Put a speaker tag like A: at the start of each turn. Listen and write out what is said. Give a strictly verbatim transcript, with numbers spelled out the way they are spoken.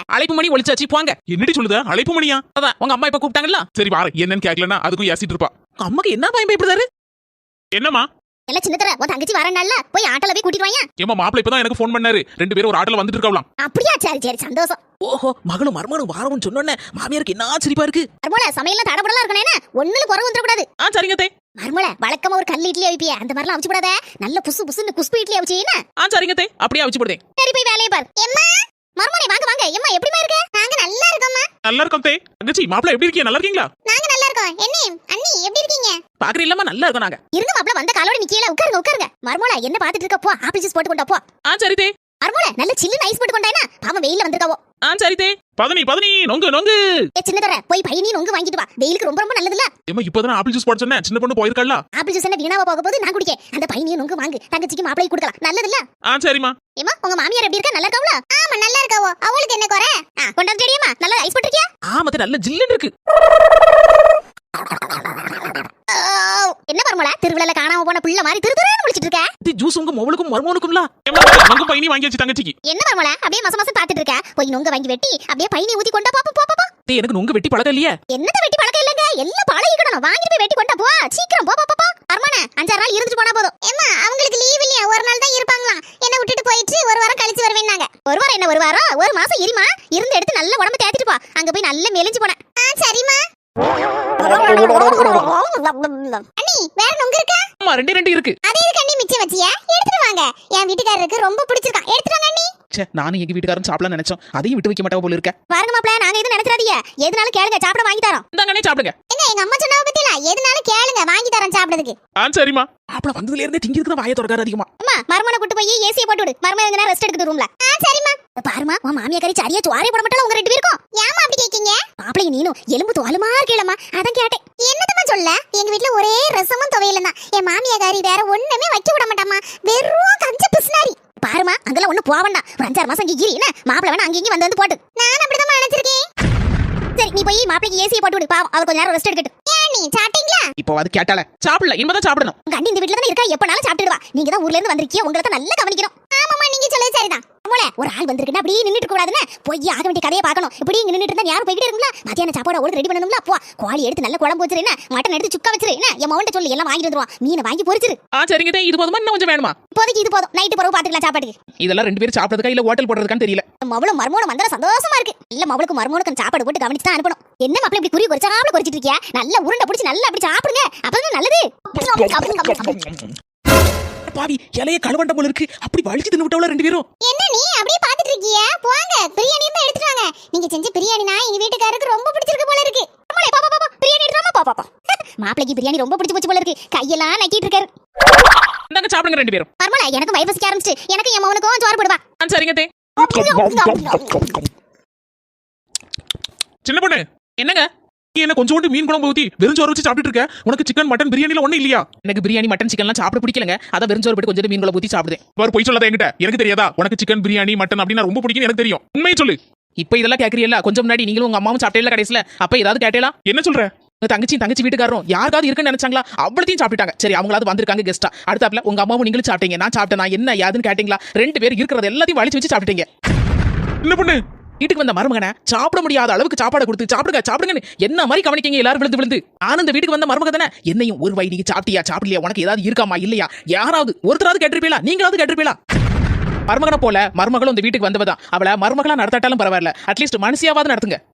A: அழைப்பு மணி ஒளிச்சாச்சு போங்க.
B: என்னடி சொல்லுத? அழைப்பு மணியா?
A: அதான் உங்க அம்மா இப்ப கூப்பிட்டாங்கல்ல.
B: சரி வார என்னன்னு கேட்கலன்னா அதுக்கும் ஏசிட்டு இருப்பா.
A: உங்க அம்மாக்கு என்ன பயம் பயப்படுறாரு?
B: என்னம்மா
C: எல்லாம் சின்னதர உன் தங்கச்சி வரனால போய் ஆட்டோல போய் கூட்டிட்டு வாங்க.
B: ஏமா மாப்பிள்ள இப்பதான் எனக்கு ஃபோன் பண்ணாரு. ரெண்டு பேரும் ஒரு ஆட்டோல வந்துட்டு இருக்கலாம்.
C: அப்படியா? சரி சரி சந்தோஷம்.
A: ஓஹோ மகளும் மருமகனும் வாரவும் சொன்னோன்னே மாமியாருக்கு என்ன சிரிப்பா இருக்கு.
C: மர்மோல சமையல்ல தடபடலாம் இருக்கனே ஒண்ணுல குறை வந்துட கூடாது.
A: ஆ சரிங்க தே.
C: மர்மோல வழக்கமா ஒரு கல் இட்லி அவிப்பிய அந்த மாதிரிலாம் அவிச்சு போடாத. நல்ல புசு புசுன்னு குஸ்பு இட்லி அவிச்சீனா.
A: ஆ சரிங்க தே. அப்படியே அவிச்சு போடுதே.
C: சரி போய் வேலைய பார். எம்மா மர்மோனே வாங்க வாங்க. எம்மா எப்படிமா இருக்க? நாங்க நல்லா இருக்கோம்மா.
B: நல்லா இருக்கோம் தே. தங்கச்சி மாப்பிள்ள எப்படி இருக்கீங்க? நல்லா இருக்கீங்களா?
C: நாங்க நல்லா இருக்கோம். என்ன அண்ணி எப்படி இருக்கீங்க?
A: பாக்குற இல்லமா நல்லா இருக்கோம் நாங்க.
C: இருங்க மாப்ள வந்த காலோட நிக்கீல உட்காருங்க உட்காருங்க. மர்மோல என்ன பாத்துட்டு இருக்க? போ ஆப்பிள் ஜூஸ் போட்டு கொண்டா போ.
A: ஆ சரி தே.
C: மர்மோல நல்ல சில்லு ஐஸ் போட்டு கொண்டாயினா. பாவம் வெயில்ல வந்திருக்காவோ.
A: ஆ சரி தே.
B: பதனி பதனி நொங்கு நொங்கு.
C: ஏ சின்னதர போய் பையனி நொங்கு வாங்கிட்டு வா. வெயிலுக்கு ரொம்ப ரொம்ப நல்லதுல.
B: ஏமா இப்பதான் ஆப்பிள் ஜூஸ் போட சொன்னேன். சின்ன பொண்ணு போயிருக்கல்ல.
C: ஆப்பிள் ஜூஸ் என்ன வீணாவா போக போகுது? நான் குடிக்கேன். அந்த பையனி நொங்கு வாங்கு. தங்கச்சிக்கு மாப்பிளைக்கு கொடுக்கலாம். நல்லதுல.
B: ஆ சரிமா.
C: ஏமா உங்க மாமியார் எப்படி இருக்கா? நல்லா இருக்காவளா? ஆமா நல்லா இருக்காவோ. அவளுக்கு என்ன குறை? ஆ கொண்டாந்து ஜெடியம்மா நல்லா ஐஸ் போட்டுறியா?
A: ஆமத்த நல்ல ஜில்லுன்னு இருக்கு.
C: என்ன மர்மோல திருவிழால காணாம போன புள்ள மாதிரி திரு திருன்னு முடிச்சிட்டு இருக்க?
A: இது ஜூஸ் உங்க மவளுக்கும் மருமகனுக்கும்ல.
B: ஏமா நொங்கு பையனி வாங்கி வச்சு தங்கச்சிக்கு.
C: என்ன மர்மோல அப்படியே மச மசம் பாத்துட்டு இருக்க? போய் நொங்க வாங்கி வெட்டி அப்படியே பையனி ஊத்தி கொண்டா பாப்பா போ போ.
A: தே எனக்கு நொங்கு வெட்டி பழக்கம் இல்லையே.
C: என்னத வெட்டி பழக்கம் இல்லங்க. எல்லாம் பழகிக்கணும். வாங்கிட்டு போய் வெட்டி கொண்டா போ. சீக்கிரம் போ போ போ. மர்மோனே அஞ்சாறு நாள் இருந்துட்டு போனா போதும். ஏமா அவங்களுக்கு லீவ் இல்லையா? ஒரு நாள் தான் இருப்பாங்களாம். என்ன விட்டுட்டு போயிட்டு ஒரு வாரம் கழிச்சு வருவேன்னாங்க. ஒரு வாரம் என்ன ஒரு வாரம்? ஒரு மாசம் இருமா. இருந்து எடுத்து நல்ல உடம்பு தேத்திட்டு போ. அங்க போய் நல்ல மெலிஞ்சு போனேன். ஆ சரிமா. அண்ணி வேற நொங்கு இருக்கா?
A: ஆமா ரெண்டு ரெண்டு இருக்கு.
C: அதே இருக்கு அண்ணி மிச்சம் வச்சியா? எடுத்துட்டு வாங்க. என் வீட்டுக்காரருக்கு ரொம்ப பிடிச்சிருக்கா. எடுத்துட்டு வாங்க அண்ணி.
A: ச்சே நானும் எங்க வீட்டுக்காரரும் சாப்பிடலாம் நினைச்சோம். அதையும் விட்டு வைக்க மாட்டா போல இருக்க.
C: பாருங்க மாப்ள நாங்க எதுவும் நினைச்சிராதீங்க. எதுனாலும் கேளுங்க சாப்பிட வாங்கி தரோம்.
A: இந்தாங்கனே சாப்பிடுங்க.
C: என்ன எங்க அம்மா சொன்னாவ பத்தில எதுனாலும் கேளுங்க வாங்கி தரோம் சாப்பிடுறதுக்கு.
B: ஆ சரிமா.
A: மாப்பிள வந்ததுல இருந்தே திங்கிறதுக்கு தான் வாயை திறக்காரு அதிகமா.
C: அம்மா மர்மனை கூட்டி போய் ஏசியை போட்டு விடு. மர்மன் எங்கனா ரெஸ்ட் எடுக்குது ரூம்ல. ஆ சரிமா. பாருமா உன் மாமியா கறி சரியா சோறே போட மாட்டால உங்க ரெண்டு பேருக்கும். ஏமா அப்படி கேக்கீங்க? மாப்பிளைக்கு நீனும் எலும்பு தோலுமா இருக்கலமா. அதான் கேட்டேன். என்னதமா சொல்ல? எங்க வீட்ல ஒரே ரசமும் துவையலும் தான். என் மாமியா கறி வேற ஒண்ணுமே வைக்க விட மாட்டாமா. வெறும் கஞ்ச பிஸ்னாரி. பாருமா அங்கெல்லாம் ஒண்ணு போவண்டா. ஒரு அஞ்சாறு மாசம் இங்க இரு. என்ன மாப்பிள வேணா அங்க இங்க வந்து வந்து போட்டு. நான் அப்படிதான் நினைச்சிருக்கேன். சரி நீ போய் மாப்பிளைக்கு ஏசியை போட்டு விடு. பாவம் அவ கொஞ்ச நேரம் ரெஸ்ட் எடுக்கட்டும். ஏன் நீ சாப்பிட்டீங்களா?
A: இப்போ அது கேட்டால சாப்பிடல. இனிமே சாப்பிடணும்.
C: உங்க அண்ணி இந்த வீட்ல தான் இருக்கா. எப்பனாலும் சாப்பிட்டுடுவா. நீங்க தான் ஊர்ல இருந்து வந்திருக்கீங்க. உங்களை தான் நல்லா கவனிக்கணும். ஆமாமா நீங்க சொல்றது சரிதான். அம்மாளே ஒரு ஆள் வந்திருக்குன்னா அப்படியே நின்னுட்டு இருக்க கூடாதுன்னு போய் ஆக வேண்டிய கதையை பார்க்கணும். இப்படி இங்க நின்னுட்டு இருந்தா யாரும் போய்கிட்டே இருக்குங்களா? மத்தியான சாப்பாடு அவளுக்கு ரெடி பண்ணணுங்களா? போ கோழி எடுத்து நல்ல குழம்பு வச்சிரு. என்ன மட்டன் எடுத்து சுக்கா வச்சிரு. என்ன என் மவன்ட்ட சொல்லி எல்லாம் வாங்கிட்டு வந்துருவான். மீனை வாங்கி பொரிச்சிரு.
A: ஆ சரிங்க தே. இது போதுமா இன்னும் கொஞ்சம் வேணுமா?
C: இப்போதைக்கு இது போதும். நைட்டு பிறகு பாத்துக்கலாம் சாப்பாட்டுக்கு.
A: இதெல்லாம் ரெண்டு பேரும் சாப்பிடுறதுக்கா இல்ல ஹோட்டல் போடுறதுக்கான்னு தெரியல.
C: மவளும் மர்மோனும் வந்தா சந்தோஷமா இருக்கு. இல்ல மவளுக்கு மர்மோனுக்கு சாப்பாடு போட்டு கவனிச்சு தான் அனுப்பணும். என்ன மாப்பிள இப்படி குறி குறிச்சாமல குறிச்சிட்டு இருக்கியா? நல்ல உருண்டை பிடிச்சி நல்லா அப்படி சாப்பிடுங்க. அப்பதான் நல்லது.
A: பாவி இலைய கழுவண்ட போல இருக்கு. அப்படி வலிச்சு தின்னு விட்டவள ரெண்டு பேரும்.
C: என்ன நீ அப்படியே பாத்துட்டு இருக்கியா? போங்க பிரியாணி தான் எடுத்துட்டு வாங்க. நீங்க செஞ்ச பிரியாணினா எங்க வீட்டுக்காரருக்கு ரொம்ப பிடிச்சிருக்கு போல இருக்கு. அம்மாளே பா பா பா பிரியாணி எடுத்துமா பா பா பா. மாப்பிளைக்கு பிரியாணி ரொம்ப பிடிச்சு போச்சு போல இருக்கு. கையெல்லாம் நக்கிட்டு இருக்காரு.
A: இந்தாங்க சாப்பிடுங்க ரெண்டு பேரும்.
C: பரமல எனக்கு வயிறு பசிக்க ஆரம்பிச்சு. எனக்கு என் மவனுக்கும் சோறு போடுவா.
A: ஆ சரிங்க தே.
B: சின்ன பொண்ணு
A: என்னங்க?
B: நீ என்ன கொஞ்சோண்டு மீன் குழம்பு ஊத்தி வெறும் சோறு வச்சு சாப்பிட்டு இருக்க? உனக்கு சிக்கன் மட்டன் பிரியாணில ஒண்ணு இல்லையா?
A: எனக்கு பிரியாணி மட்டன் சிக்கன்லாம் சாப்பிட பிடிக்கலங்க. அத வெறும் சோறு போட்டு கொஞ்சம் மீன் குழம்பு ஊத்தி சாப்பிடுறேன்.
B: வேற போய் சொல்லாத என்கிட்ட. எனக்கு தெரியாதா உனக்கு சிக்கன் பிரியாணி மட்டன் அப்படினா ரொம்ப பிடிக்கும் எனக்கு தெரியும். உண்மையை சொல்லு.
A: இப்போ இதெல்லாம் கேக்குறீல்ல? கொஞ்சம் முன்னாடி நீங்களும் உங்க அம்மாவும் சாப்பிட்டேல கடைசில. அப்ப ஏதாவது கேட்டேலா?
B: என்ன சொல்ற?
A: உங்க தங்கச்சி தங்கச்சி வீட்டுக்காரரும் யாராவது இருக்குன்னு நினைச்சாங்களா? அவ்வளத்தையும் சாப்பிட்டாங்க. சரி அவங்களாவது வந்திருக்காங்க கெஸ்டா. அடுத்தாப்ல உங்க அம்மாவும் நீங்களும் சாப்பிட்டீங்க. நான் சாப்பிட்டேனா என்ன யாதுன்னு கேட்டீங்களா? ரெண்டு பேர் இருக்கிறது எல்லாத்தையும் வலிச்சு வச்சு சாப்பிட்டீங்க.
B: என்ன பொண்ணு
A: வீட்டுக்கு வந்த மருமகனை சாப்பிட முடியாத அளவுக்கு சாப்பாடு கொடுத்து சாப்பிடுங்க சாப்பிடுங்கன்னு என்ன மாதிரி கவனிக்கீங்க எல்லாரும் விழுந்து விழுந்து. ஆனா இந்த வீட்டுக்கு வந்த மருமக தானே என்னையும் ஒரு வை நீங்க சாப்பிட்டியா சாப்பிடலையா உனக்கு ஏதாவது இருக்காமா இல்லையா யாராவது ஒருத்தராவது கேட்டிருப்பீங்களா? நீங்களாவது கேட்டிருப்பீங்களா? மருமகனை போல மருமகளும் இந்த வீட்டுக்கு வந்தவதான். அவளை மருமகளா நடத்தாட்டாலும் பரவாயில்ல. அட்லீஸ்ட் மனுஷியாவது நடத்துங்க.